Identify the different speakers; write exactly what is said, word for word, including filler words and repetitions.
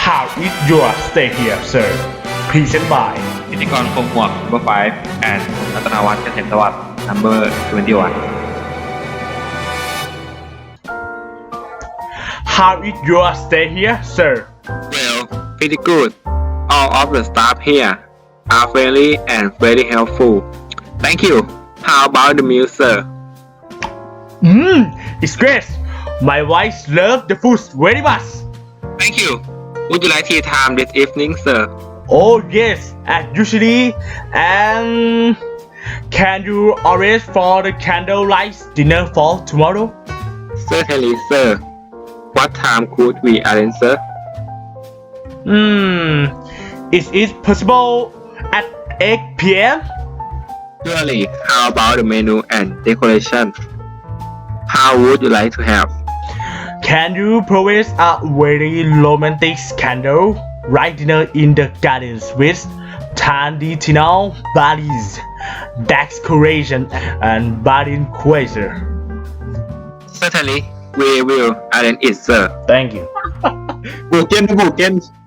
Speaker 1: How is your stay here, sir? Present by
Speaker 2: พิธีกรคมหมวก number five and รัตนวัฒน์เกษมสวัสดิ์ number twenty-one
Speaker 1: How is your stay here, sir?
Speaker 3: Well, pretty good. All of the staff here are friendly and very helpful. Thank you. How about the meal, sir?
Speaker 1: Mmm, it's great. My wife loves the food very much.
Speaker 3: Thank you. Would you like tea time this evening, sir?
Speaker 1: Oh yes, as usually. And can you arrange for the candlelight dinner for tomorrow?
Speaker 3: Certainly, sir. What time could we arrange, sir?
Speaker 1: Hmm, is it possible at eight p.m.?
Speaker 3: Surely. How about the menu and decoration? How would you like to have?
Speaker 1: Can you provide a very romantic candle light dinner in the gardens with traditional Balinese decoration and Balin quasar?
Speaker 3: Certainly. We will arrange it, sir.
Speaker 1: Thank you.
Speaker 4: บูเกนบูเกน